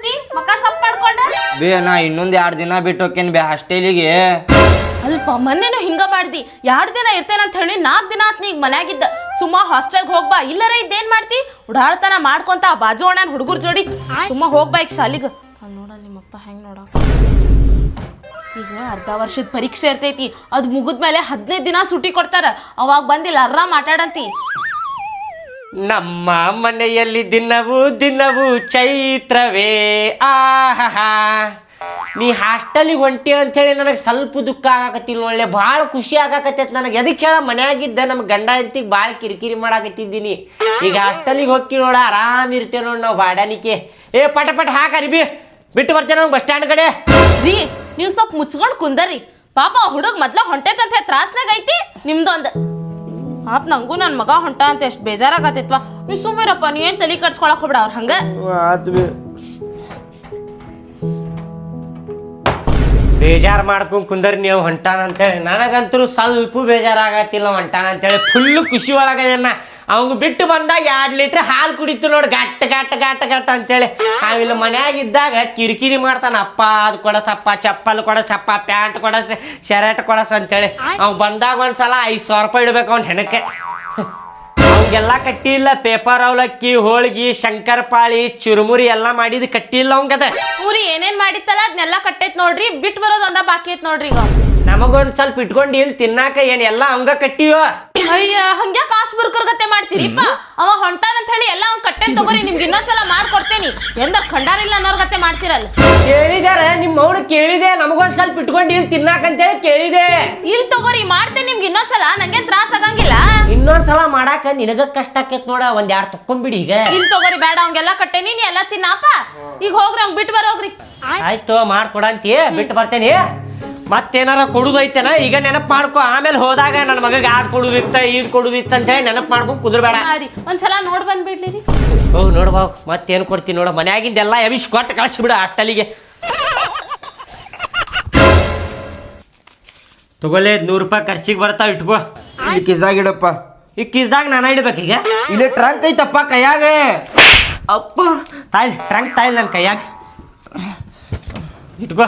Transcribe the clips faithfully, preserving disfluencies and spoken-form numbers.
ಮಾಡಾಕತ್ತಿ ಮಕ ಸಪ್ ಮಾಡ್ಕೊಂಡ ಬೇ ನಾ ಇನ್ನೊಂದ್ ಎರಡ್ ದಿನ ಬಿಟ್ಟು ಹೋಕೇನ್ ಬೇ ಹಾಸ್ಟೆಲಿಗೆ. ಅಲ್ಪ ಮೊನ್ನೆನು ಹಿಂಗ ಮಾಡ್ದಿ ಎರಡ್ ದಿನ ಇರ್ತೇನಂತ ಹೇಳಿ ನಾಲ್ಕು ದಿನ ಆತ್ ನೀಗ್ ಮನ್ಯಾಗಿದ್ದ ಸುಮ್ಮ ಹಾಸ್ಟೆಲ್ಗೆ ಹೋಗ್ಬಾ ಇಲ್ಲರ ಇದ್ದೇನ್ ಮಾಡ್ತಿ ಉಡಾಳ್ತನ ಮಾಡ್ಕೊಂತ ಬಾಜು ಅಣ್ಣನ ಹುಡುಗರ್ ಜೋಡಿ ಸುಮ್ಮ ಹೋಗ್ಬಾ ಈಗ ಶಾಲಿಗ. ನೋಡಲ್ ನಿಮ್ಮಪ್ಪ ಹೆಂಗ್ ನೋಡಾಕ ಈಗ ಅರ್ಧ ವರ್ಷದ ಪರೀಕ್ಷೆ ಇರ್ತೈತಿ ಅದ್ ಮುಗಿದ್ಮೇಲೆ ಹದಿನೈದು ದಿನ ಸುಟಿ ಕೊಡ್ತಾರ ಅವಾಗ ಬಂದಿಲ್ಲ ಆರಾಮ್ ಆಟಾಡಂತಿ. ನಮ್ಮ ಮನೆಯಲ್ಲಿ ದಿನವೂ ದಿನವೂ ಚೈತ್ರವೇ ಆಹಾ. ನೀ ಹಾಸ್ಟೆಲಿಗೆ ಹೊಂಟಿ ಅಂಥೇಳಿ ನನಗೆ ಸ್ವಲ್ಪ ದುಃಖ ಆಗಾಕತ್ತಿಲ್ಲ. ಒಳ್ಳೆ ಭಾಳ ಖುಷಿ ಆಗಾಕತ್ತೈತೆ ನನಗೆ. ಎದಕ್ಕೆ ಹೇಳ ಮನ್ಯಾಗಿದ್ದ ನಮ್ಮ ಗಂಡ ಹೆಂಡತಿಗೆ ಭಾಳ ಕಿರಿಕಿರಿ ಮಾಡಾಕತ್ತಿದ್ದೀನಿ. ಈಗ ಹಾಸ್ಟೆಲಿಗೆ ಹೋಗಿ ನೋಡ ಆರಾಮ್ ಇರ್ತೇವೆ ನೋಡಿ ನಾವು ಬಾಡಾನಿಕೆ. ಏ ಪಟ ಪಟ ಹಾಕರಿ ಬಿ ಬಿಟ್ಟು ಬರ್ತೇನೆ ನಾವು ಬಸ್ ಸ್ಟ್ಯಾಂಡ್ ಕಡೆ. ರೀ ನೀವು ಸ್ವಲ್ಪ ಮುಚ್ಕೊಂಡು ಕುಂದರಿ ಪಾಪ ಹುಡುಗ ಮೊದ್ಲ ಹೊಂಟೈತಂತ ತ್ರಾಸ್ನಾಗ ಐತಿ ನಿಮ್ದೊಂದು ಪಾಪ ನಂಗೂ ನನ್ನ ಮಗ ಹೊಂಟ ಅಂತ ಎಷ್ಟು ಬೇಜಾರಾಗತ್ತೈತ್ವಾ. ನೀವು ಸುಮ್ಮಿರಪ್ಪ ನೀ ಏನ್ ತಲೆ ಕಟ್ಸ್ಕೊಳಕ್ ಹೋಗ್ಬಿಡ ಅವ್ರ ಹಂಗ ಬೇಜಾರು ಮಾಡ್ಕೊಂಡು ಕುಂದರಿ ನೀವು ಹೊಂಟಾನ ಅಂತೇಳಿ. ನನಗಂತರೂ ಸ್ವಲ್ಪ ಬೇಜಾರಾಗತ್ತಿಲ್ಲ ಹೊಂಟಾನ ಅಂತೇಳಿ ಫುಲ್ಲು ಖುಷಿ ಒಳಗದೇನ. ಅವಂಗ ಬಿಟ್ಟು ಬಂದಾಗ ಎರಡು ಲೀಟ್ರ್ ಹಾಲು ಕುಡಿತು ನೋಡಿ ಗಟ್ಟ ಗಟ್ಟ ಗಟ್ಟ ಗಟ್ಟ ಅಂತೇಳಿ. ನಾವಿಲ್ಲ ಮನ್ಯಾಗಿದ್ದಾಗ ಕಿರಿಕಿರಿ ಮಾಡ್ತಾನ ಅಪ್ಪ ಅದು ಕೊಡಸಪ್ಪ ಚಪ್ಪಲ್ ಕೊಡಸಪ್ಪ ಪ್ಯಾಂಟ್ ಕೊಡಸ ಶರ್ಟ್ ಕೊಡಸ ಅಂತೇಳಿ. ಅವ್ನು ಬಂದಾಗ ಒಂದ್ಸಲ ಐದು ಸಾವಿರ ರೂಪಾಯಿ ಇಡ್ಬೇಕು ಅವ್ನ ಹೆಣಕ್ಕೆ. ಅವಂಗೆಲ್ಲ ಕಟ್ಟಿಲ್ಲ ಪೇಪರ್ ಅವಲಕ್ಕಿ ಹೋಳ್ಗಿ ಶಂಕರಪಾಳಿ ಚುರುಮುರಿ ಎಲ್ಲ ಮಾಡಿದ್ ಕಟ್ಟಿಲ್ಲ ಅವಂಗದ. ಊರಿ ಏನೇನ್ ಮಾಡಿತ್ತಲ್ಲ ಅದನ್ನೆಲ್ಲ ಕಟ್ಟೈತ್ ನೋಡ್ರಿ ಬಿಟ್ಟು ಬರೋದು ಒಂದ ಬಾಕಿ ಐತ್ ನೋಡ್ರಿ. ಈಗ ನಮಗೊಂದ್ ಸ್ವಲ್ಪ ಇಟ್ಕೊಂಡು ಇಲ್ಲಿ ತಿನ್ನಾಕ ಏನ್ ಎಲ್ಲ ಅವಂಗ ಕಟ್ಟಿಯೋ. ಅಯ್ಯ ಹಂಗ್ಯಾ ಕಾಸು ಬುರ್ಕರ್ಗತ್ತೆ ಮಾಡ್ತೀರಿಪ್ಪ. ಅವ ಹೊಂಟಾನಂತ ಹೇಳಿ ಎಲ್ಲ ಅವ್ನ್ ಕಟ್ಟೆನ್ ತಗೋರಿ ನಿಮ್ಗೆ ಇನ್ನೊಂದ್ಸಲ ಮಾಡ್ಕೊಡ್ತೇನಿ. ಎಂದ ಖಂಡಾರಿಲ್ಲ ಅನ್ನೋರ್ಗತ್ತೆ ಮಾಡ್ತಿರಲ್ಲ. ಕೇಳಿದಾರ ನಿಮ್ಮ ಅವ್ರು ಕೇಳಿದೆ ನಮಗೊಂದ್ ಸ್ವಲ್ಪ ಇಟ್ಕೊಂಡು ಇಲ್ಲಿ ತಿನ್ನಾಕಂತೇಳಿ ಕೇಳಿದೆ. ಇಲ್ಲಿ ತಗೋರಿ ಮಾಡ್ತೇನೆ ನಿಮ್ಗೆ ಇನ್ನೊಂದ್ಸಲ ನಂಗೆ ತ್ರಾಸ ಆಗಂಗಿಲ್ಲ. ಇನ್ನೊಂದ್ಸಲ ಮಾಡಾಕ ನಿನಗ ಕಷ್ಟ ಆಕೇತ್ ನೋಡ ಒಂದ್ ಯಾರು ತಕ್ಕೊಂಬಿಡಿ. ಈಗ ಇಲ್ಲಿ ತಗೋರಿ ಬೇಡ ಅವಂಗೆಲ್ಲ ಕಟ್ಟೇನಿ ನೀ ಎಲ್ಲ ತಿನ್ನಪ್ಪ. ಈಗ ಹೋಗ್ರಿ ಅವ್ನ್ ಬಿಟ್ಟು ಬರೋಗ್ರಿ. ಆಯ್ತು ಮಾಡ್ಕೊಡಂತಿ ಬಿಟ್ಟು ಬರ್ತೇನಿ. ಮತ್ತೇನಾರ ಕೊಡುದೈತೆನ ಈಗ ನೆನಪು ಮಾಡ್ಕೊ. ಆಮೇಲೆ ಹೋದಾಗ ನನ್ನ ಮಗಗೆ ಆದ್ ಕೊಡುದಿತ್ತ ಈದ್ ಕೊಡುದಿತ್ತ ಅಂತ ಹೇಳಿ ನೆನಪು ಮಾಡ್ಕೊಂಡು ಕುದುರ್ಬೇಡ. ಒಂದ್ಸಲ ನೋಡ್ ಬಂದ್ಬಿಡ್ಲಿ. ಹೋಗ್ ನೋಡ್ಬಾ ಮತ್ತೇನ್ ಕೊಡ್ತೀನಿ ನೋಡ. ಮನ್ಯಾಗಿಂದೆಲ್ಲ ಎಬಿಸ್ ಕೊಟ್ಟು ಕಳಿಸ್ಬಿಡ ಹಾಸ್ಟೆಲಿಗೆ. ತಗೊಳ್ಳೇ ನೂರು ರೂಪಾಯಿ ಖರ್ಚಿಗೆ ಬರ್ತಾವ ಇಟ್ಕೋ. ಕಿಸಾಗ ಇಡಪ್ಪ. ಈ ಕಿಸ್ದಾಗ ನಾನು ಇಡ್ಬೇಕೀಗ. ಇಲ್ಲಿ ಟ್ರಂಕ್ ಐತಪ್ಪ ಕೈಯಾಗ. ಅಪ್ಪ ತಾಯಿ ಟ್ರಂಕ್ ತಾಯಿ ನನ್ನ ಕೈಯಾಗ ಇಟ್ಕೋ.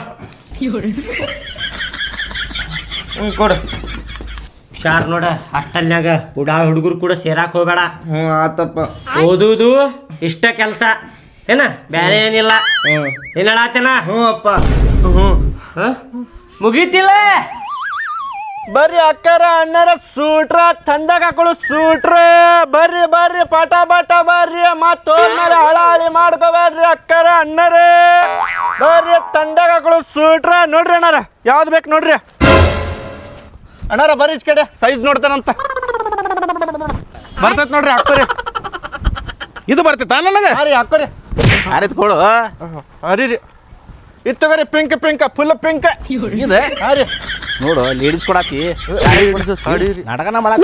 ಹ್ಞೂ ಕೊಡು. ಹುಷಾರ್ ನೋಡ ಹಾಸ್ಟೆಲ್ನಾಗ ಹುಡಾ ಹುಡುಗರು ಕೂಡ ಸೇರಾಕ್ ಹೋಗ್ಬೇಡ. ಹ್ಞೂ ಆತಪ್ಪ. ಓದುದು ಇಷ್ಟ ಕೆಲಸ ಏನ ಬೇರೆ ಏನಿಲ್ಲ. ಹ್ಞೂ ಏನ್ ಹೇಳತ್ತೇನ? ಹ್ಞೂ ಅಪ್ಪ. ಹ್ಞೂ ಮುಗೀತಿಲ್ಲ. ಬರ್ರಿ ಅಕ್ಕರ ಅಣ್ಣರ ಸೂಟ್ರ ತಂದಾಗ ಹಾಕೊಳ್ಳು ಸೂಟ್ರ. ಬರ್ರಿ ಬರ್ರಿ ಪಟ ಪಟ ಬರ್ರಿ ಮತ್ತೋದ್ಮೇಲೆ ಹಳಾಳಿ ಮಾಡ್ಕೋಬೇಡ್ರಿ ಅಕ್ಕರ ಅಣ್ಣರೇ. ಬರ್ರಿ ತಂದಾಗ ಹಾಕೊಳ್ಳು ಸೂಟ್ರ. ನೋಡ್ರಿ ಅಣ್ಣಾರ ಯಾವ್ದು ಬೇಕು ನೋಡ್ರಿ ಅಣ್ಣಾರ. ಬರ್ರಿ ಇಚ್ ಕಡೆ ಸೈಜ್ ನೋಡ್ತಾನಂತ ಬರ್ತೈತ್ ನೋಡ್ರಿ ಹಾಕೋರಿ. ಇದು ಬರ್ತೈತ ನನಗೆ? ಹಾಂ ರೀ ಹಾಕೋರಿ. ಅರಿತ್ಕೊಳು ಅರಿ ರೀ ಇದು ತಗೋರಿ ಪಿಂಕ್ ಪಿಂಕ್ ಫುಲ್ ಪಿಂಕ್ ಇದೆ. ಹಾಂ ರೀ ನೋಡು ಲೇಡೀಸ್ ಕೊಡಾಕಿ ನಾಟಕನ ಮಾಡಾಕ.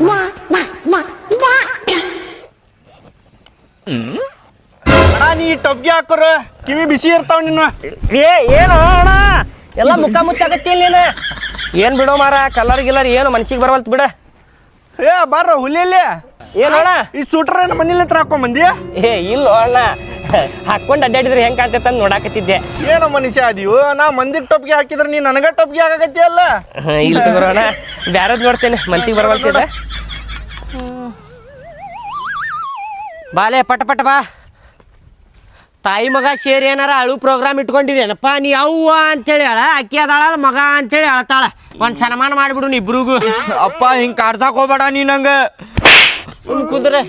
ಅಣ್ಣ ನೀ ಟೊಬ್ಗೆ ಹಾಕೋರ ಕಿವಿ ಬಿಸಿ ಇರ್ತಾವ ನಿನ್ನ. ಏ ಏನು ಅಣ್ಣ ಎಲ್ಲ ಮುಖ ಮುಚ್ಚಾಕತ್ತೀನಿ ನೀನು. ಏನ್ ಬಿಡೋ ಮಾರ ಕಲರ್ ಗಿಲ್ಲರ್ ಏನು ಮನ್ಸಿಗೆ ಬರವಲ್ತು ಬಿಡ. ಏ ಬಾರ ಹುಲಿಯಲ್ಲಿ ಏನೋಣ ಈ ಸೂಟ್ರ ಮನೇಲಿ ಹತ್ರ ಹಾಕೊಂಡ್ ಬಂದಿ? ಏ ಇಲ್ಲ ಅಣ್ಣ ಹಾಕೊಂಡು ಅಡ್ಡಾಡಿದ್ರೆ ಹೆಂಗ್ ಕಾಣ್ತೈತೆ ಅಂತ ನೋಡಾಕತ್ತಿದ್ದೆ. ಏನೋ ಮನುಷ್ಯ ಅದೀವು ನಾ ಮಂದಿಗೆ ಟೊಪ್ಗೆ ಹಾಕಿದ್ರೆ ನೀ ನನಗ ಟೊಪ್ಗೆ ಹಾಕಕತ್ತಿ ಅಲ್ಲ. ಇಲ್ಲ ತಗೋಣ ಬ್ಯಾರದ್ ನೋಡ್ತೇನೆ ಮನ್ಸಿಗೆ ಬರವಲ್ತಿದೆ. ಬಾಲೆ ಪಟ ಪಟ ಬಾ. ತಾಯಿ ಮಗ ಸೇರಿ ಏನಾರ ಅಳು ಪ್ರೋಗ್ರಾಮ್ ಇಟ್ಕೊಂಡಿರೇನಪ್ಪ ನೀ ಅವ್ವ ಅಂತೇಳಿ ಅಳ ಅಕ್ಕಿ ಅದಾಳ ಮಗ ಅಂತೇಳಿ ಅಳ್ತಾಳ. ಒಂದ್ ಸನ್ಮಾನ ಮಾಡ್ಬಿಡು ಇಬ್ರಿಗೂ. ಅಪ್ಪ ಹಿಂಗ್ ಕಾಡ್ಸಾಕ್ ಹೋಗ್ಬೇಡ ನೀ ನಂಗ. ಕುಂದ್ರೆ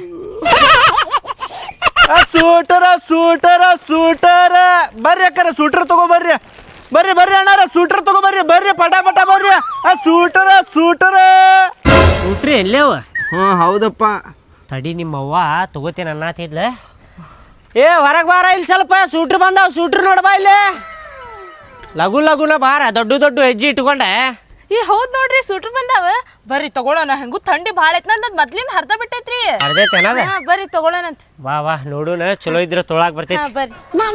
ಸೂಟರ ಸೂಟರ ಸೂಟರ ಬರ್ರಿ ಅಕ್ಕರ ಸೂಟರ್ ತಗೋ ಬರ್ರಿ. ಬರ್ರಿ ಬರ್ರಿ ಅಣ್ಣಾರ ಸೂಟರ್ ತಗೋ ಬರ್ರಿ. ಬರ್ರಿ ಪಟ ಪಟ ಬರ್ರಿ. ಆ ಸೂಟರ ಸೂಟರ ಊಟ್ರಿ ಎಲ್ಲೇವ? ಹ್ಞೂ ಹೌದಪ್ಪ. ತಡಿ ನಿಮ್ಮವ್ವ ತಗೋತೇನೆ ಅನ್ನತಿದ್ಲ. ಏ ಹೊರಗೆ ಬಾರ ಇಲ್ಲಿ ಸ್ವಲ್ಪ ಸೂಟ್ರ್ ಬಂದಾವ. ಸೂಟ್ರ್ ನೋಡ್ಬಾ ಇಲ್ಲಿ ಲಘು ಲಘುನ ಬಾರ ದೊಡ್ಡ ದೊಡ್ಡ ಹೆಜ್ಜೆ ಇಟ್ಕೊಂಡೆ. ಈ ಹೌದ್ ನೋಡ್ರಿ ಸೂಟ್ರ್ ಬಂದಾವ. ಬರ್ರಿ ತಗೊಳ್ಳೋಣ. ಹೆಂಗು ಥಂಡಿ ಭಾಳ ಐತ್ ನಂದ್ ಮೊದ್ಲಿಂದ ಹರ್ದ ಬಿಟ್ಟೈತ್ರಿ. ಅರ್ಧೈತೇನದ? ಬರ್ರಿ ತಗೊಳ್ಳೋಣಂತ. ವಾ ವಾ ನೋಡುನ ಚಲೋ ಇದ್ರೆ ತೊಳಾಕ್ ಬರ್ತೈತಿ. ಬರ್ರಿ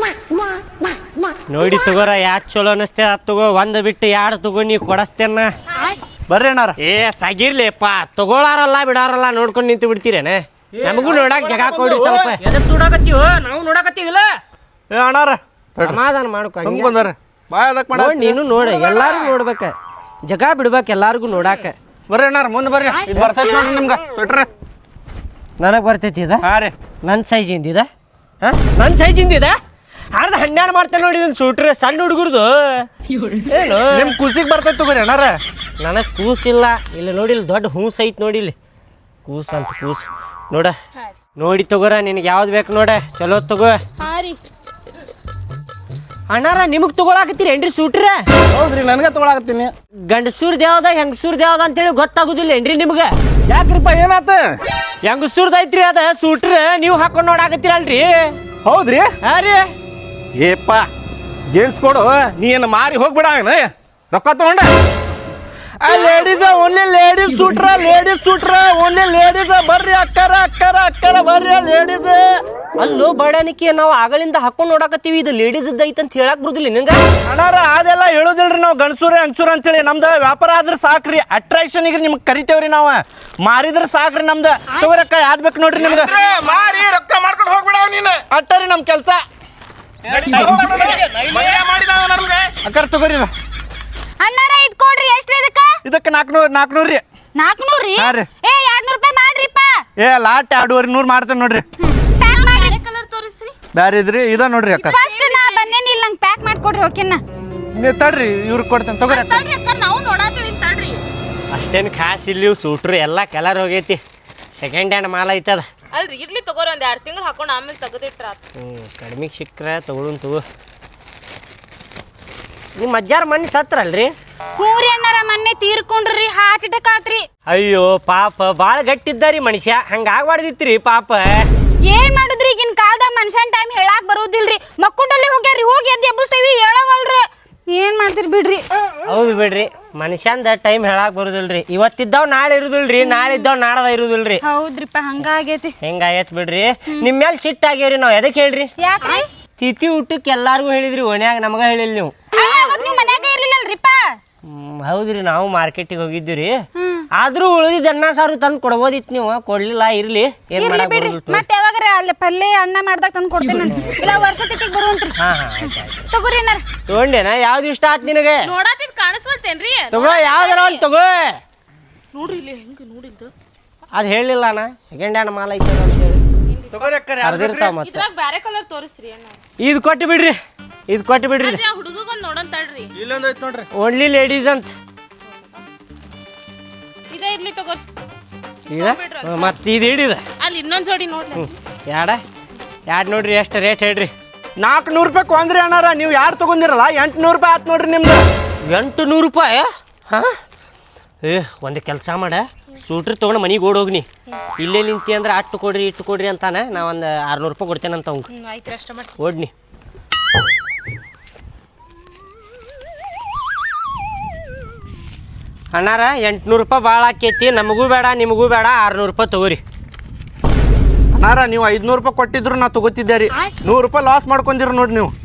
ನೋಡಿ ತಗೋರ ಯಾಕೆ ಚಲೋ ಅನಸ್ತೇ ಅದ್ ತಗೋ. ಒಂದ್ ಬಿಟ್ಟು ಯಾರು ತಗೋ ನೀ ಕೊಡಸ್ತೇನ. ಬರ್ರಿ ಅಣ್ಣಾರ. ಏ ಸಾಗಿರ್ಲಿಪ್ಪ ತಗೊಳಾರಲ್ಲ ಬಿಡಾರಲ್ಲ ನೋಡ್ಕೊಂಡು ನಿಂತು ಬಿಡ್ತೀರೇನೆ. ನಮಗೂ ನೋಡಕ್ ಜಗ ಕೊಡಿ ಸ್ವಲ್ಪ. ಎದಕ್ ನೋಡಾಕತ್ತೀವ ನಾವು ನೋಡಾಕತ್ತೀವಿಲ್ಲ. ಏ ಅಣ್ಣಾರ ಸಮಾಧಾನ ಮಾಡ್ಕೊ ಸುಮ್ ಕುಂದ್ರ ಬಾಯ್ ಅದಕ್ಕೆ ಮಾಡ ನೋಡ್ ನೀನು ನೋಡ ಎಲ್ಲಾರು ನೋಡ್ಬೇಕ ಜಗ ಬಿಡ್ಬೇಕ ಎಲ್ಲಾರ್ಗು ನೋಡಾಕ ಬರ್ರಿ ಅಣ್ಣಾರ ಮುಂದೆ ಬರ್ರಿ ಇದು ಬರ್ತೈತಿ ನೋಡ್ರಿ ನಿಮ್ಗೆ ಸ್ವೆಟ್ರ್ ನನಗೆ ಬರ್ತೈತಿ ಇದ ಹಾಂ ರೀ ನನ್ನ ಸೈಜ್ ಇಂದಿದ ಹಾಂ ನನ್ನ ಸೈಜ್ ಇಂದಿದ ಅರ್ಧ ಹನ್ನೆರಡು ಮಾಡ್ತೇನೆ ನೋಡಿ ಇದನ್ನ ಸೂಟ್ರಿ ಸಣ್ಣ ಹುಡುಗರ್ದು ಏನು ನಿಮ್ಮ ಕೂಸಿಗೆ ಬರ್ತೈತಿ ತಗೋರಿ ಅಣ್ಣಾರ ನನಗೆ ಕೂಸಿಲ್ಲ ಇಲ್ಲಿ ನೋಡಿ ಇಲ್ಲಿ ದೊಡ್ಡ ಹೂಸ್ ಐತಿ ನೋಡಿ ಇಲ್ಲಿ ಕೂಸ್ ಅಂತ ಕೂಸ್ ನೋಡ ನೋಡಿ ತಗೋರ ನಿನಗೆ ಯಾವ್ದು ಬೇಕು ನೋಡ ಚಲೋ ತಗೋ ಹಾಂ ರೀ ಅಣ್ಣಾರ ನಿಮಗೆ ತಗೊಳಕತ್ತೀರಿ ಏನ್ರಿ ಸೂಟ್ರ ಹೌದ್ರಿ ನನಗೆ ತಗೊಳಕತ್ತೀನಿ ಗಂಡಸೂರ್ದು ಯಾವ್ದ ಹೆಂಗಸೂರ್ದು ಯಾವ್ದ ಅಂತೇಳಿ ಗೊತ್ತಾಗುದಿಲ್ಲ ಏನ್ರಿ ನಿಮ್ಗೆ ಯಾಕ್ರಿಪ್ಪ ಏನಾತ ಹೆಂಗಸೂರ್ದು ಐತ್ರಿ ಅದ ಸೂಟ್ರ ನೀವು ಹಾಕೊಂಡು ನೋಡಾಕತ್ತೀರಲ್ರಿ ಹೌದ್ರಿ ಹಾಂ ರೀ ಏಪ್ಪ ಜೇನ್ಸ್ ಕೊಡು ನೀ ಏನು ಮಾರಿ ಹೋಗ್ಬಿಡ ರೊಕ್ಕ ತಗೊಂಡ ಆ ಲೇಡೀಸ್ ಓನ್ಲಿ ಲೇಡೀಸ್ ಸೂಟ್ರ ಲೇಡೀಸ್ ಸೂಟ್ರ ಓನ್ಲಿ ಲೇಡೀಸ್ ಬರ್ರಿ ಅಕ್ಕರ ಅಕ್ಕರ ಅಕ್ಕರ ಬರ್ರಿ ಲೇಡೀಸ್ ಅಲ್ಲೋ ಬಡಾನಿಕೆ ನಾವು ಆಗಳಿಂದ ಹಾಕೊಂಡು ನೋಡಾಕತ್ತೀವಿ ಇದು ಲೇಡೀಸ್ ಐತೆ ಅಂತ ಹೇಳಕ್ ಬರುದಿಲ್ಲ ನಿಂಗ ಅಣ್ಣಾರ ಅದೆಲ್ಲ ಹೇಳೋದಿಲ್ರಿ ನಾವು ಗಣಸೂರೇ ಅಂಗಸೂರ ಅಂತೇಳಿ ನಮ್ದು ವ್ಯಾಪಾರ ಆದ್ರೆ ಸಾಕ್ರಿ ಅಟ್ರಾಕ್ಷನ್ಗೆ ನಿಮ್ಗೆ ಕರಿತೇವ್ರಿ ನಾವು ಮಾರಿದ್ರೆ ಸಾಕ್ರಿ ನಮ್ದು ತಗೋರಕ್ಕ ಯಾವ್ದು ಬೇಕು ನೋಡ್ರಿ ನಿಮ್ಗೆ ಮಾರಿ ರೊಕ್ಕ ಮಾಡ್ಕೊಂಡು ಹೋಗ್ಬಿಡ ನೀನು ಅಟ್ಟರಿ ನಮ್ಮ ಕೆಲಸ ಅಕ್ಕರ್ ತಗೋರಿ ಅಣ್ಣಾರ ಇದ್ ಕೊಡ್ರಿ ಎಷ್ಟ್ರಿ ಇದಕ್ಕ ಇದಕ್ಕೆ ನಾಲ್ಕುನೂರು ನಾಲ್ಕುನೂರು ರೀ ನಾಲ್ಕುನೂರು ರೀ ಹಾ ರೀ. ಏ ಎರಡ್ನೂರು ರೂಪಾಯಿ ಮಾಡ್ರಿಪ್ಪ ಏ ಲಾಟ್ ಎರಡೂವರೆ ನೂರು ಮಾಡ್ತೇನೆ ನೋಡ್ರಿ ಪ್ಯಾಕ್ ಮಾಡ್ರಿ ಕಲರ್ ತೋರಿಸ್ರಿ ಬ್ಯಾರೆ ಇದ್ರಿ ಇದ ನೋಡ್ರಿ ಅಕ್ಕ ಫಸ್ಟ್ ನಾ ಬಂದೇನಿ ಇಲ್ಲಿ ನಂಗೆ ಪ್ಯಾಕ್ ಮಾಡ್ಕೊಡ್ರಿ ಓಕೆನಾ ನೀವು ತಡ್ರಿ ಇವ್ರಿಗೆ ಕೊಡ್ತೇನೆ ತಗೋರಿ ಅಕ್ಕ ತಡ್ರಿ ಅಕ್ಕ ನಾವು ನೋಡಾತೀವಿ ತಡ್ರಿ ಅಷ್ಟೇನು ಖಾಸ್ ಇಲ್ಲಿ ಸೂಟ್ರು ಎಲ್ಲ ಕಲರ್ ಹೋಗೈತಿ ಸೆಕೆಂಡ್ ಹ್ಯಾಂಡ್ ಮಾಲ್ ಐತದ ಅಲ್ರಿ ಇರ್ಲಿ ತಗೋರಿ ಒಂದ್ ಎರಡು ತಿಂಗಳು ಹಾಕೊಂಡು ಆಮೇಲೆ ತೆಗೆದಿಟ್ರ ಹ್ಞೂ ಕಡಿಮೆಗೆ ಸಿಕ್ಕರೆ ತಗೊಳುನ್ ತಗೋ ನಿಮ್ಮ ಅಜ್ಜಾರ ಮನೆ ಸತ್ರಲ್ರಿ ಮೂರಿ ಅಣ್ಣಾರ ಮೊನ್ನೆ ತೀರ್ಕೊಂಡ್ರಿ ಹಾರ್ಟ್ ಅಟ್ಯಾಕ್ ಆತ್ರಿ ಅಯ್ಯೋ ಪಾಪ ಭಾಳ ಗಟ್ಟಿದ್ದಾರಿ ಮನುಷ್ಯ ಹಂಗೆ ಆಗ್ಬಾರ್ದಿತ್ರಿ ಪಾಪ ಏನ್ ಮಾಡುದ್ರಿ ಈಗಿನ ಕಾಲದ ಮನುಷ್ಯನ್ ಟೈಮ್ ಹೇಳಾಕ್ ಬರೋದಿಲ್ರಿ ಮಕ್ಕೊಂಡಲ್ಲಿ ಹೋಗ್ಯಾರಿ ಹೋಗಿ ಎದ್ದು ಎಬ್ಬಿಸ್ತೀವಿ ಹೇಳವಲ್ರಿ ಏನ್ ಮಾಡ್ತೀರಿ ಬಿಡ್ರಿ ಹೌದು ಬಿಡ್ರಿ ಮನುಷ್ಯಂದ ಟೈಮ್ ಹೇಳಕ್ ಬರುದಿಲ್ರಿ ಇವತ್ತಿದ್ದಾವ್ ನಾಳೆ ಇರುದಿಲ್ರಿ ನಾಳೆ ಇದ್ದಾವ್ ನಾಡದ ಇರುದಿಲ್ರಿ ಹೌದ್ರಿಪ್ಪ ಹಂಗಾಗೈತಿ ಹೆಂಗಾಗೈತ್ ಬಿಡ್ರಿ ನಿಮ್ಮ ಮೇಲೆ ಸಿಟ್ಟು ಆಗ್ಯಾವ್ರಿ ನಾವು ಎದಕ್ಕೆ ಹೇಳ್ರಿ ಯಾಕ್ರಿ ತಿಥಿ ಊಟಕ್ಕೆ ಎಲ್ಲಾರ್ಗು ಹೇಳಿದ್ರಿ ಓಣ್ಯಾಗ ನಮಗ ಹೇಳಿಲ್ಲ ನೀವು ನೀವು ಮನ್ಯಾಗ ಇರ್ಲಿಲ್ಲಲ್ರಿಪ್ಪ ಹ್ಮ್, ಹೌದ್ರಿ ನಾವು ಮಾರ್ಕೆಟಿಗೆ ಹೋಗಿದ್ವಿ ರೀ ಆದ್ರೂ ಉಳಿದಿದ್ದ ಅನ್ನ ಸಾರು ತಂದು ಕೊಡ್ಬೋದಿತ್ತು ನೀವು ಕೊಡ್ಲಿಲ್ಲ ಇರ್ಲಿ ಏನ್ ಇರ್ಲಿ ಮಾಡಕ್ ಬಿಡ್ರಿ ಬರೋದಿಲ್ಲ ಮತ್ತೆ ಯಾವಾಗಾರ ಅಲ್ಲಿ ಪಲ್ಯ ಅನ್ನ ಮಾಡ್ದಾಗ ತಂದು ಕೊಡ್ತೇನೆ ಇಲ್ಲ ವರ್ಷ ತಿಟ್ಟಿಗೆ ಬರುವಂತ್ರಿ ಹಾ ಹಾ ಆಯ್ತು ಆಯ್ತು ತಗೋರಿ ಅಣ್ಣಾರ ತಗೊಂಡೇನ ಯಾವ್ದು ಇಷ್ಟ ಆತ್ ನಿನಗೆ ನೋಡಾತಿದ್ ಕಾಣಿಸ್ವಲ್ತೇನ್ರಿ ತಗೋ ಯಾವ್ದಾರ ಒಂದು ತಗೋ ನೋಡ್ರಿ ಇಲ್ಲಿ ಹೆಂಗ ನೋಡಿದ್ದು ಅದ್ ಹೇಳಿಲ್ಲ ಅಣ್ಣ ಸೆಕೆಂಡ್ ಹ್ಯಾಂಡ್ ಮಾಲ್ ಐತೆ ಅಂತ ಹೇಳಿ ತಗೋರಿ ಅಕ್ಕ ಕರ್ದಿರ್ತಾವ ಮತ್ತೆ ಇದ್ರಾಗ ಬ್ಯಾರೆ ಕಲರ್ ತೋರಿಸ್ರಿ ಅಣ್ಣ ಇದು ಕೊಟ್ಟು ಬಿಡ್ರಿ ಇದು ಕೊಟ್ಟು ಬಿಡ್ರಿ ಅಜ್ಜ ಹುಡುಗಗೊಂದ್ ನೋಡೋಣ ತಡ್ರಿ ಇಲ್ಲೊಂದು ಐತೆ ನೋಡ್ರಿ ಓನ್ಲಿ ಲೇಡೀಸ್ ಅಂತ ಇದೇ ಇರ್ಲಿ ತಗೋರಿ ಈಗ ಮತ್ತೆ ಇದು ಹಿಡಿದ ಅಲ್ಲಿ ಇನ್ನೊಂದ್ ಜೋಡಿ ನೋಡ್ರಿ ಯಾಡ ಯಾಡ್ ನೋಡ್ರಿ ಎಷ್ಟು ರೇಟ್ ಹೇಳ್ರಿ ನಾಲ್ಕುನೂರು ರೂಪಾಯಿ ಕೊಂದ್ರಿ ಅಣ್ಣಾರ ನೀವು ಯಾರು ತಗೊಂಡಿರಲ್ಲ ಎಂಟುನೂರು ರೂಪಾಯಿ ಆತ್ ನೋಡ್ರಿ ನಿಮ್ದು ಎಂಟು ನೂರು ರೂಪಾಯಿ ಹಾಂ ಏ ಒಂದು ಕೆಲಸ ಮಾಡ ಸೂಟ್ರಿ ತೊಗೊಂಡು ಮನೆಗೆ ಓಡೋಗ್ನಿ ಇಲ್ಲೇ ನಿಂತಿ ಅಂದ್ರೆ ಅಟ್ಟು ಕೊಡ್ರಿ ಇಟ್ಟು ಕೊಡ್ರಿ ಅಂತಾನೆ ನಾ ಒಂದು ಆರ್ನೂರು ರೂಪಾಯಿ ಕೊಡ್ತೇನೆ ಅಂತ ಅವ್ಗೆ ಹ್ಮ್ ಆಯ್ತು ಅಷ್ಟ ಮಾಡಿ ಓಡ್ನಿ ಅಣ್ಣಾರ ಎಂಟುನೂರು ರೂಪಾಯಿ ಭಾಳ ಆಕೈತಿ ನಮಗೂ ಬೇಡ ನಿಮಗೂ ಬೇಡ ಆರ್ನೂರು ರೂಪಾಯಿ ತಗೋರಿ ಅಣ್ಣಾರ ನೀವು ಐದ್ನೂರು ರೂಪಾಯಿ ಕೊಟ್ಟಿದ್ರು ನಾ ತಗೋತಿದ್ದೆ ರೀ ನೂರು ರೂಪಾಯಿ ಲಾಸ್ ಮಾಡ್ಕೊಂಡಿರ ನೋಡ್ರಿ ನೀವು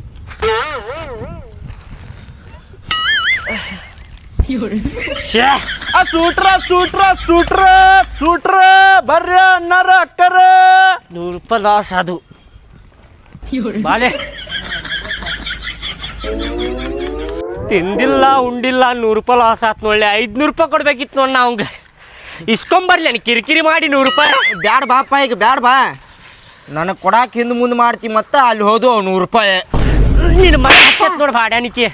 ಶ್ಯಾ ಆ ಸೂಟ್ರ ಸೂಟ್ರ ಸೂಟ್ರ ಸೂಟ್ರ ಬರ್ರಿ ಅಣ್ಣಾರ ಅಕ್ಕರ ನೂರು ರೂಪಾಯಿ ಲಾಸ್ ಅದು ಬಾಲೆ ತಿಂದಿಲ್ಲ ಉಂಡಿಲ್ಲ ನೂರು ರೂಪಾಯಿ ಲಾಸ್ ಆತ್ ನೋಡ್ಲಿ ಐದ್ನೂರು ರೂಪಾಯಿ ಕೊಡ್ಬೇಕಿತ್ತು ನೋಡ್ ಅವಂಗ ಇಸ್ಕೊಂಬರ್ಲಿ ನಾನು ಕಿರಿಕಿರಿ ಮಾಡಿ ನೂರು ರೂಪಾಯಿ ಬ್ಯಾಡ ಬಾಪ ಈಗ ಬ್ಯಾಡ ಬಾ ನನಗೆ ಕೊಡಾಕ್ ಹಿಂದೆ ಮುಂದೆ ಮಾಡ್ತಿ ಮತ್ತೆ ಅಲ್ಲಿ ಹೋದು ನೂರು ರೂಪಾಯಿ ನೀನು ಮನೆ ಹತ್ತೈತ್ ನೋಡಿ ಬಾಡ್ಯಾನಿಕೆ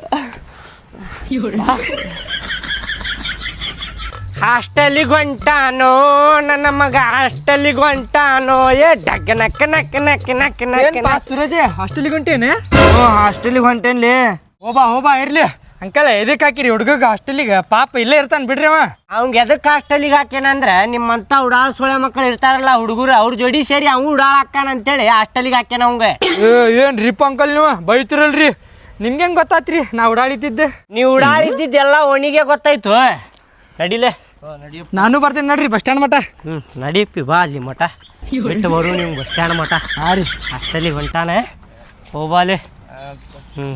ಹಾಸ್ಟೆಲಿಗೆ ಹೊಂಟಾನೋ ನನ್ನ ಮಗ ಹಾಸ್ಟೆಲಿಗೆ ಹೊಂಟಾನೋ ಏ ಡಗ್ ನಕ್ಕ ನಕ್ಕ ನಕ್ಕ ನಕ್ಕ ನಕ್ಕ ಸುರಜೆ ಹಾಸ್ಟೆಲಿಗೆ ಹೊಂಟೇನೆ ಹ್ಞೂ ಹಾಸ್ಟೆಲಿಗೆ ಹೊಂಟೇನ್ಲಿ ಹೋಬಾ ಹೋಬಾ ಇರ್ಲಿ ಅಂಕಲ್ ಎದಕ್ಕೆ ಹಾಕಿರಿ ಹುಡುಗಗ ಹಾಸ್ಟೆಲಿಗೆ ಪಾಪ ಇಲ್ಲೇ ಇರ್ತಾನೆ ಬಿಡ್ರಿ ಅವ ಅವ್ಗೆ ಎದಕ್ಕೆ ಹಾಸ್ಟೆಲಿಗೆ ಹಾಕ್ಯಾನಂದ್ರೆ ನಿಮ್ಮಂತ ಉಡಾಳ ಸೊಳೆ ಮಕ್ಕಳು ಇರ್ತಾರಲ್ಲ ಹುಡುಗರು ಅವ್ರ ಜೋಡಿ ಸೇರಿ ಅವ್ನು ಉಡಾಳ ಹಾಕ್ಯಾನ ಅಂತೇಳಿ ಹಾಸ್ಟೆಲಿಗೆ ಹಾಕ್ಯಾನ ಅವಂಗೆ ಏನು ರೀಪ ಅಂಕಲ್ ನೀವು ಬೈತಿರಲ್ರಿ ನಿಮ್ಗೆ ಹೆಂಗೆ ಗೊತ್ತಾತ್ರಿ ನಾ ಓಡಾಡಿತಿದ್ದೆ ನೀವು ಉಡಾಳ ಇದ್ದಿದ್ದೆಲ್ಲ ಒಣಿಗೆ ಗೊತ್ತಾಯ್ತು ನಡಿಲೆ ನಾನು ಬರ್ತೇನೆ ನೋಡ್ರಿ ಬಸ್ ಸ್ಟ್ಯಾಂಡ್ ಮಟ ಹ್ಞೂ ನಡೀಪಿ ಬಾ ಅಲ್ಲಿ ಮಠ ಬಿಟ್ಟು ಬರು ನೀವು ಬಸ್ ಸ್ಟ್ಯಾಂಡ್ ಮಠ ಹಾಂ ರೀ ಹಾಸ್ಟೆಲಿಗೆ ಹೊಂಟಾನೆ ಹೋಗ್ಬಾಲೆ ಹ್ಞೂ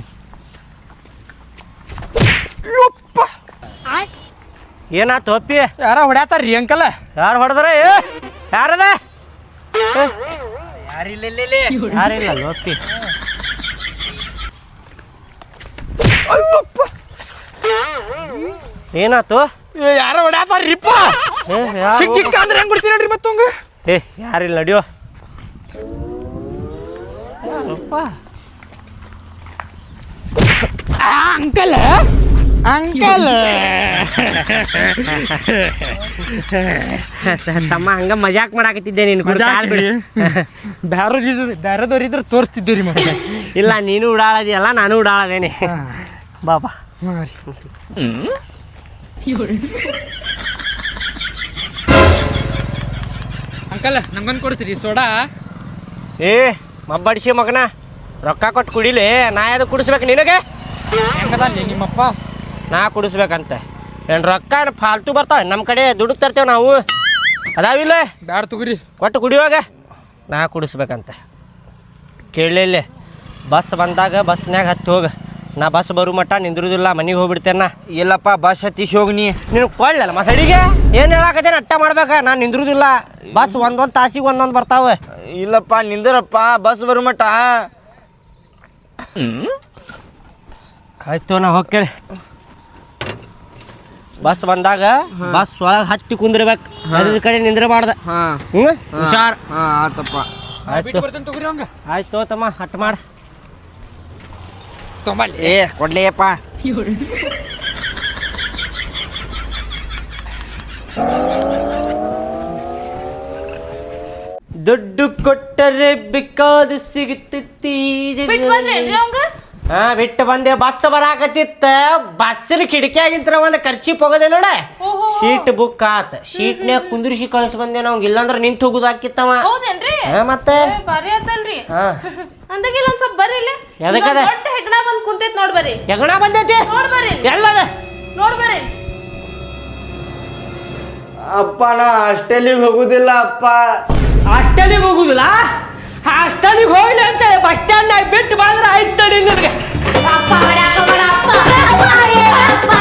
ಏನಾತು ಅಪ್ಪಿ ಯಾರ ಹೊಡ್ಯಾತಾರ್ರಿ ಅಂಕಲ್ ಯಾರು ಹೊಡೆದ್ರ ಏ ಯಾರದ ಯಾರಿಲ್ಲ ಲೋಪಿ ಏನಾತು ಯಾರೋ ಹೊಡ್ಯಾತಾರ್ರಿಪ್ಪ ಏ ಯಾರು ಸಿಕ್ಕಿಕ್ಕ ಅಂದ್ರೆ ಹೆಂಗ್ ಬಿಡ್ತೀರಿ ನೋಡ್ರಿ ಮತ್ತೊಂಗ ಏ ಯಾರಿಲ್ಲ ನಡಿಯೋ ಯಾರಪ್ಪ ಅಂಕಲ್ ಅಂಕಲ್ ತಮ್ಮ ಹಂಗ ಮಜಾಕ್ ಮಾಡಾಕತ್ತಿದ್ದೆ ನೀನು ಕೂಡ ಕಾಲ್ ಬಿಡು. ಬ್ಯಾರದಿದ್ರು ಬ್ಯಾರದವ್ರು ಇದ್ರೆ ತೋರಿಸ್ತಿದ್ದೀರಿ ಮತ್ತೆ ಇಲ್ಲ ನೀನು ಉಡಾಳದಿಯಲ್ಲ ನಾನು ಉಡಾಳದೇನೆ ಬಾಬಾ ಅಂಕಲ್ ನಂಗೊಂದು ಕೊಡಿಸ್ರಿ ಸೋಡಾ ಏ ಮಬ್ಬಡಿಸಿ ಮಗನ ರೊಕ್ಕ ಕೊಟ್ಟು ಕುಡಿಲಿ ನಾ ಯಾವ್ದು ಕುಡಿಸ್ಬೇಕು ನಿನಗೆ ಹೆಂಗದಲ್ಲಿ ನಿಮ್ಮಪ್ಪ ನಾ ಕುಡಿಸ್ಬೇಕಂತೆ ಏನು ರೊಕ್ಕ ಏನು ಫಾಲ್ತು ಬರ್ತಾವೆ ನಮ್ಮ ಕಡೆ ದುಡ್ಡು ತರ್ತೇವೆ ನಾವು ಅದಾವಿಲ್ಲ ಬ್ಯಾಡ ತಗೋರಿ ಒಟ್ಟು ಕುಡಿಯುವಾಗ ನಾ ಕುಡಿಸ್ಬೇಕಂತೆ ಕೇಳಲಿಲ್ಲ ಬಸ್ ಬಂದಾಗ ಬಸ್ನ್ಯಾಗ ಹತ್ತಿ ಹೋಗ ನಾ ಬಸ್ ಬರೋ ಮಟ್ಟ ನಿಂದ್ರುದಿಲ್ಲ ಮನೆಗೆ ಹೋಗ್ಬಿಡ್ತೇನೆ ಇಲ್ಲಪ್ಪ ಬಸ್ ಹತ್ತಿಸಿ ಹೋಗ್ನಿ ನೀನು ಕೊಳ್ಳಲ್ಲ ಮಸಡಿಗೆ ಏನು ಹೇಳಾಕತ್ತೇನೆ ಅಟ್ಟ ಮಾಡ್ಬೇಕ ನಾನು ನಿಂದ್ರುದಿಲ್ಲ ಬಸ್ ಒಂದೊಂದು ತಾಸಿಗೆ ಒಂದೊಂದು ಬರ್ತಾವೆ ಇಲ್ಲಪ್ಪ ನಿಂದ್ರಪ್ಪ ಬಸ್ ಬರೋ ಮಟ್ಟ ಆಯ್ತು ನಾ ಹೋಗ್ತೇನೆ ಬಸ್ ಬಂದಾಗ ಬಸ್ ಒಳಗೆ ಹತ್ತಿ ಕುಂದಿರ್ಬೇಕು ಅದ್ರ ಕಡೆ ನಿಂದ್ರಬಾರ್ದ ಹಾಂ ಹ್ಞೂ ಹುಷಾರ್ ಹಾಂ ಆತಪ್ಪ ಆಯ್ತು ಬರ್ತೇನೆ ತಗೋರಿ ಹಂಗ ಆಯ್ತು ತಮ್ಮ ಹಟ್ ಮಾಡ ತೊಂಬಲ್ಲಿ ಏ ಕೊಡ್ಲಿಯಪ್ಪ ದುಡ್ಡು ಕೊಟ್ಟರೆ ಬೇಕಾದ ಸಿಗುತ್ತೈತಿ ಬಿಟ್ಟು ಬಂದ್ರೇನ್ರಿ ಅವಂಗ ಹಾ ಬಿಟ್ಟು ಬಂದೆ ಬಸ್ ಬರಾಕತ್ತಿತ್ತ ಬಸ್ಸಿನ ಕಿಟಕಿಯಾಗಿಂತ ಒಂದು ಖರ್ಚಿ ಹೋಗೋದೆ ನೋಡ ಸೀಟ್ ಬುಕ್ ಆತ ಸೀಟ್ನ್ಯಾಗ ಕುಂದ್ರಿಸಿ ಕಳಿಸ್ ಬಂದೆ ನಾವು ಇಲ್ಲಾಂದ್ರೆ ನಿಂತು ಹೋಗುದು ಹಾಕಿತ್ತವ ಹೌದೇನ್ರಿ ಹಾ ಮತ್ತೆ ಏ, ಭಾರಿ ಆತಲ್ರಿ ಹಾ ಅಂದಾಗಿಲ್ಲ ಒಂದ್ ಸ್ವಲ್ಪ ಬರ್ರಿ ಇಲ್ಲಿ ಎದಕ್ಕದ? ಇಲ್ಲೊಂದ್ ದೊಡ್ಡ ಹೆಗ್ಣ ಬಂದ್ ಕುಂತೈತ್ ನೋಡ್ ಬರ್ರಿ ಎಗಣ ಬಂದೈತಿ ನೋಡ್ ಬರ್ರಿ ಎಲ್ಲದ ನೋಡ್ ಬರ್ರಿ ಅಪ್ಪ ನಾ ಹಾಸ್ಟೆಲಿಗೆ ಹೋಗುದಿಲ್ಲ ಅಪ್ಪ ಹಾಸ್ಟೆಲಿಗೆ ಹೋಗುದಿಲ್ಲ ಹಾಸ್ಟೆಲಿಗೆ ಹೋಗ್ಲಿ ಅಂತ ಬಸ್ ಸ್ಟ್ಯಾಂಡ್ ಬಿಟ್ಟು ಬಂದ್ರೆ ಆಯ್ತು ತಡಿ ನಿನಗೆ ಅಪ್ಪ ಹೊಡ್ಯಾಕ ಬೇಡ ಅಪ್ಪ. ಅಪ್ಪ, ಏ ಅಪ್ಪ.